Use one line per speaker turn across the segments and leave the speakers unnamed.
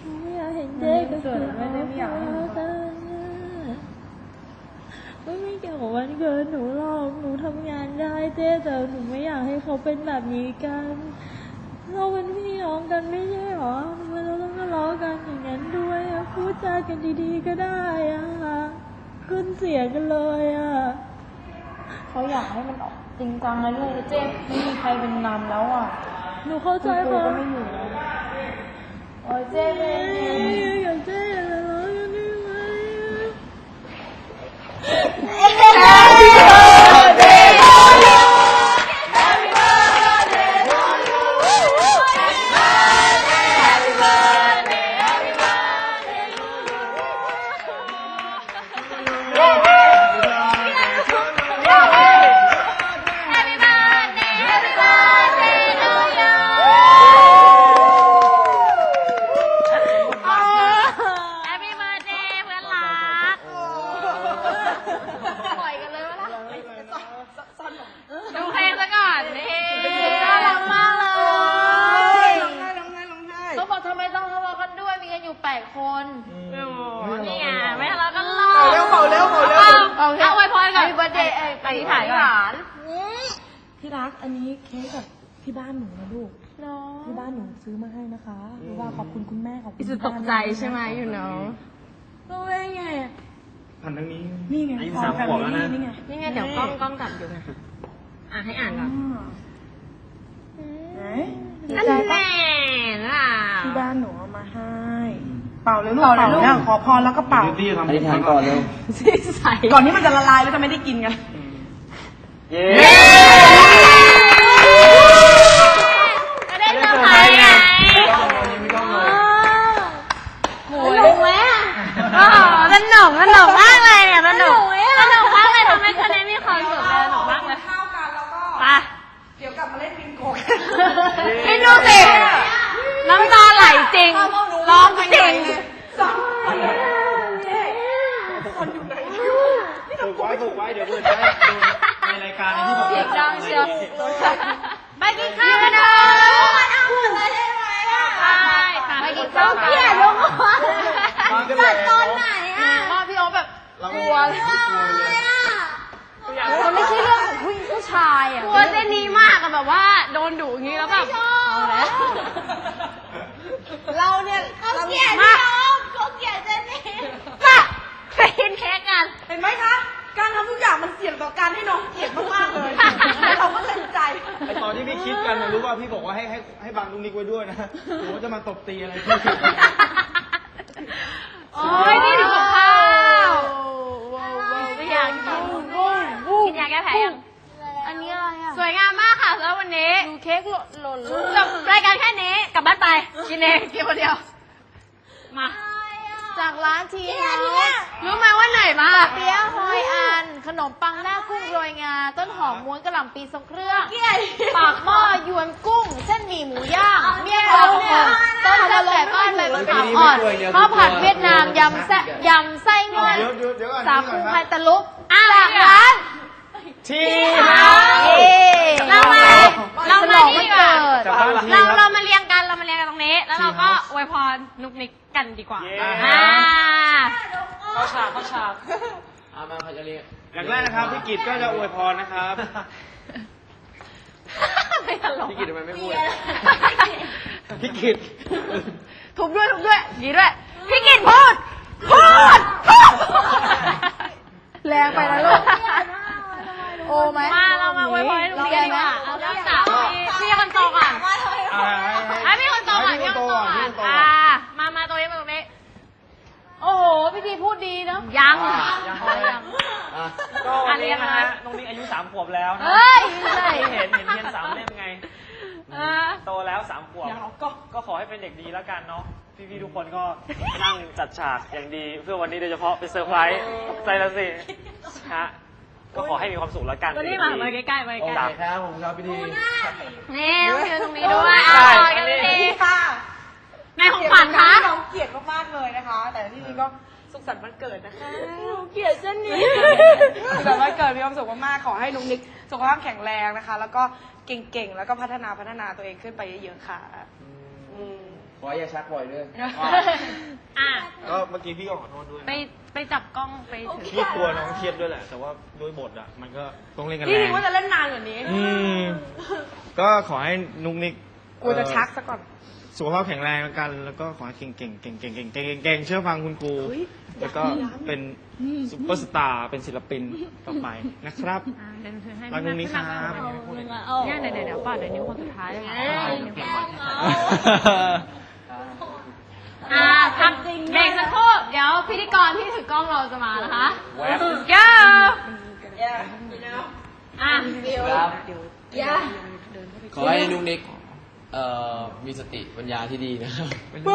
ไม่อยากเห็นเจ๊กับหนูทะเลาะกันไม่เกี่ยวกับวันเกิดหนูหรอกหนูทำงานได้เจ๊แต่หนูไม่อยากให้เขาเป็นแบบนี้กันเราเป็นพี่น้องกันไม่ใช่หรอทำไมเราต้องทะเลาะกันอย่างนั้นด้วยอะพูดจากันดีๆก็ได้อะค่ะขึ้นเสียงกันเลยอะ
เขาอยากให้มันออกจริงจังเลยลูกเจ๊ไม่มีใครเป็นนำแล้วอ่ะ
หนูเข้าใจ
ค่ะ
ค่ะ
ก็ไม่อยู่แล้วโอ้ยเจ๊เป็น
อยากเจ๊อย่าทะเลาะกันได้ไหม
ดูเพลงซะก่อนนี่น่ารักมากเลยเขาบอกทำไมต้องทะเลาะกันด้วยมีกันอยู่8 คนนี่ไงไม่ทะเลาะกันหรอก
เป่าเร็ว
เอาไว้พรก่อนไปเดย์ไปถ่ายก่อน
ที่รักอันนี้เค้กกับที่บ้านหนูนะลูกที่บ้านหนูซื้อมาให้นะคะหรือว่าขอบคุณคุณแม่ขอบคุณ
จะตกใจใช่ไหมอยู่เนาะ
รู้ได้ไง
ผ่านทางนี้
นี่ไง
อายุ3 ขวบแล้วนะ
นี่ไง
นี่ไงเดี๋ยวกล้องจับอยู่ไงให้อ่านก่อน
ไหน
นั่นแน่ล่ะ
ที่บ้านหนูเอามาให้เป่าเลยลูกเป่าแล้วขอพรแล้วก็เป่า
พี่ทำให้ทานก่อนเร็ว
ใส่
ก่อนที่มันจะละลายแล้วจะไม่ได้กินกัน
เย้
จะได้เซอร์ไพรส์ไง
ไม่ต้องเลย
โหยรู้ไหมสนุกมากเลยเนี่ยสนุกมากเลยทำให้คะแนนมีความสุขเลยสนุกมากเลย
เข้ากันแล้วก็
ไป
เดี๋ยวกลับมาเล่นบิงโก
ให้ดูสิน้ำตาไหลจริงร้องจริง
ฝึกไว้เดี๋ยวเพื่อนจะให้ดูในรายการที่ผม
เสียงดังเชียวไปกินข้าวกันเถอะไปกินข้าวกัน
ตัดตอนไหนอ่ะ
พ่อพี่โอ๊ตแบบกลัว
มันไม่ใช่เรื่องของผู้ชายอ่ะ
กลัวเจนนี่มากอะแบบว่าโดนดุอย่างนี้แล้วแบบเอาแล้ว
เราเนี่ยเขาเกลียด
มา
เขาเกลียดเจนนี่
มาไปกินเค้กกัน
เห็นไหมคะ การทำทุกอย่างมันเสี่ยงต่อการให้น้องเกลียดมากๆเลยเราก็เต็มใจ
ไอตอนที่พี่คิดกันรู้ว่าพี่บอกว่าให้บังลุงนิกไว้ด้วยนะผมว่าจะมาตบตีอะไรพี่
โอ้ยนี่ถึงกับข้าวไม่อยากกินกินยาแก้แพ้ยัง
อันนี้อะไรอ่ะ
สวยงามมากค่ะสำหรับวันนี้
ดูเค้กหล่น
จบรายการแค่นี้กลับบ้านไปกินเองกินคนเดียวมา
จากร้านทีเฮาส์
รู้ไหมว่าไหนมา
เปี๊ยะฮอยอัน ขนมปังหน้ากุ้งโรยงา ต้นหอมม้วนกระหล่ำปีทรงเครื่อง ปากหม้อยวนกุ้ง เส้นหมี่หมูย่าง เมี่ยงปลาหมึกต้มจับแต่บ้านใบมะขามอ่อนข้าวผัดเวียดนามยำไส้เงิน
เดี๋ยวก่อน
สา
นี่ก่
คู
อน
ไข่
นะ
ตะลุก
จาก
ร้าน
ที่
เรามานี่ดีกว่า
จากบ้านที่
เรามาเรียงกันตรงนี้ แล้วเราก็อวยพรนุกนิกกันดีกว่า
เข้าฉากมาพาจะเรียกอย่างแรกนะครับพี่กิตก็จะอวยพรนะครับ
ไม่ตลก
พี่กิตทำไมไม่พูดพี่กิต
ทุบด้วยดีด้วยพี่กิตพูด
แรงไปนะลูก โอ้ไหม
มาเรามาอวยพรให้นุกนิกกันดีกว่าเอาเริ่มจากพี่คนโตก่อนให้พี่คนโตก่อนมาตัวนี้โอ้โหพี่พีพูดดีเนาะยัง
ก็วันนี้นะฮะน้องนิกอายุ3 ขวบแล้วนะ
เฮ้ยไม่ใช่
เห็นเทียน3 เล่มไง โตแล้ว3 ขวบก็ขอให้เป็นเด็กดีแล้วกันเนาะ พี่ๆทุกคนก็นั่งจัดฉากอย่างดี เพื่อวันนี้โดยเฉพาะเป็นเซอร์ไพรส์ใจละสิฮะก็ขอให้มีความสุขแล้วกัน
วันนี้มาใกล้ๆ
โอเคครับผมครับพี่ดี
นี่ต้องยืนตรงนี้ด้วย
ใช่
กันเลย
ค่ะ
ในของขวัญคะ
น้องเกลียดมากๆเลยนะคะ แต่ที่นี่ก็สุขสันต์วันเกิดนะคะ
เกลียดเจนนี่
สุขสันต์วันเกิดมีความสุขมากๆขอให้นุ๊กนิกสุขภาพแข็งแรงนะคะ แล้วก็เก่งๆ แล้วก็พัฒนาตัวเองขึ้นไปเยอะๆค่ะ
ผ
ออย่าชักบ่อยด้วย
อ่ะ
ก็เมื่อกี้พี่ก็ขอโทษด้วยนะ
ไปจับกล้องไปถือ
พี่กลัวน้องเครียดด้วยแหละ แต่ว่าด้วยบทอ่ะ มันก็ต้องเล่นกัน
พี่
แร
นึ
ง
กว่าจะเล่นนานกว่านี้
ก็ขอให้นุกนิก
กลัวจะชักซะก่อน
สุขภาพแข็งแรงแล้วกัน แล้วก็ขอให้เก่งเชื่อฟังคุณครู แล้วก็เป็นซุปเปอร์สตาร์เป็นศิลปินต่อไปนะครับ
เดินถือให้
รักนุกนิกครับ
เนี่ยเดี๋ยวป่ะเดี๋ยวนิ้วคนสุดท้ายเลยนะพักเบรกสักครู่เดี๋ยวพิธีกรที่ถือกล้องเราจะมานะคะgo อ่ะ
ขอให้นุกนิกมีสติปัญญาที่ดีนะครับ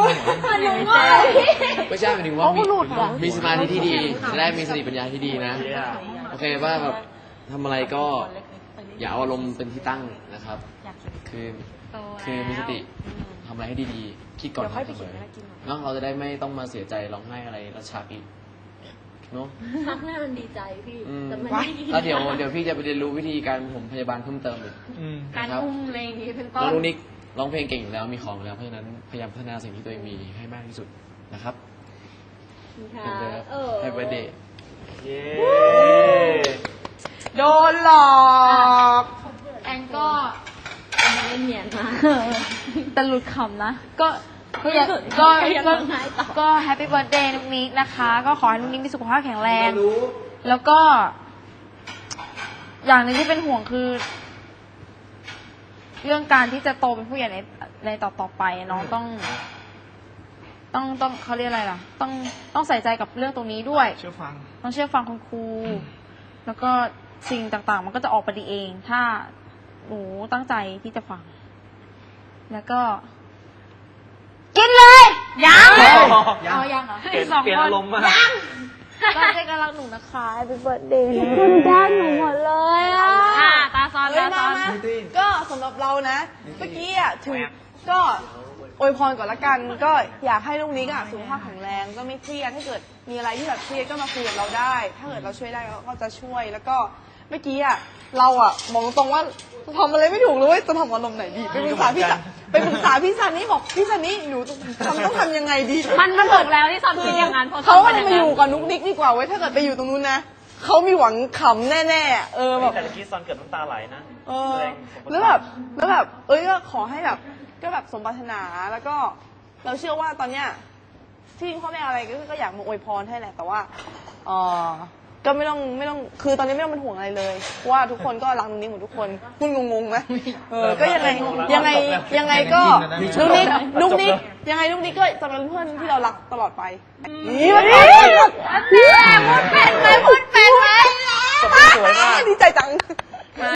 ไม่ใช่หมายถึงว่ามีสมาธิที่ดีจะได้มีสติปัญญาที่ดีนะ โอเคว่าแบบทำอะไรก็อย่าเอาอารมณ์เป็นที่ตั้งนะครับ คือมีสติทำอะไรให้ดีๆคิดก่อนทำเสมอเนาะเราจะได้ไม่ต้องมาเสียใจร้องไห้อะไรแล้วชักอีกเนาะ
ชักแม่มันดีใจพี่ แต่มัน
แล้วเดี๋ยวพี่จะไปเรียนรู้วิธีการผมพยาบาลเพิ่มเติมอีก
การอุ้มอะไรอย่างงี้เป็นต้
น้อง
น
ลูกนิกร้องเพลงเก่งอยู่แล้วมีของอยู่แล้วเพราะฉะนั้นพยายามพัฒนาสิ่งที่ตัวเองมีให้มากที่สุดนะครับให้เบอร์เดย์
เย้
โดนหลอก
แอนก็
ไม่ได้เนียนมา
แต่หลุดขำนะ ก็แฮปปี้เบิร์ดเดย์นุกนิกนะคะ ก็ขอให้นุกนิกมีสุขภาพแข็งแรง แล้วก็ อย่างหนึงที่เป็นห่วงคือ เรื่องการที่จะโตเป็นผู้ใหญ่ในต่อไปน้องต้องเขาเรียกอะไรล่ะ ต้องใส่ใจกับเรื่องตรงนี้ด้วย
เชื่อฟัง
ต้องเชื่อฟังคุณครู แล้วก็สิ่งต่างๆ มันก็จะออกไปดีเอง ถ้าหนูตั้งใจที่จะฟัง แล้วก็ กินเลย ยังเอายังเหรอ
เปลี่ยน
สอง
เปลี่ยน
คน
อารมณ์มาก
ยังก็เจ๊กำลังหนูนะคะเป็นเบิร์ดเดย์คุณด้านหนูหมดเลยอ่ะตาซ้อน
เฮ้ย
ตาซ้อน
มาก็สำหรับเรานะ เมื่อกี้อ่ะถึงก็อวยพรก่อนละกัน ก็อยากให้ลูกนิกอ่ะสุขภาพแข็งแรงก็ไม่เครียดถ้าเกิดมีอะไรที่แบบเครียดก็มาคุยกับเราได้ ถ้าเกิดเราช่วยได้เราก็จะช่วย แล้วก็เมื่อกี้อ่ะเราอ่ะมองตรงว่าทำอะไรไม่ถูกเลยจะทำอารมณ์ไหนดีไปปรึกษาพี่ซันนี่บอกพี่ซันนี่หนูต้องทำยังไงดี
มันถูกแล้วที่ซ้อนคิดอย่างนั้น
เขาก็จะมาอยู่กับนุกนิกดีกว่าเว้ยถ้าเกิดไปอยู่ตรงนู้นนะเขามีหวังขำแน่ๆแบบ
แต่ตะกี้ซอนเกิดน้ำตาไหลนะ
แล้วแบบก็ขอให้แบบก็แบบสมปรารถนาแล้วก็เราเชื่อว่าตอนเนี้ยที่พ่อแม่อะไรก็อยากมาอวยพรให้แหละแต่ว่าก็ไม่ต้องคือตอนนี้ไม่ต้องเป็นห่วงอะไรเลยเพราะว่าทุกคนก็รักนุกนิกหมดทุกคนคุณงงไหมก็ยังไงก็นุกนิกยังไงนุกนิกก็จะเป็นเพื่อนที่เรารักตลอดไปนี่มันพูดเป็นไหม
สวยมาก
ดีใจจัง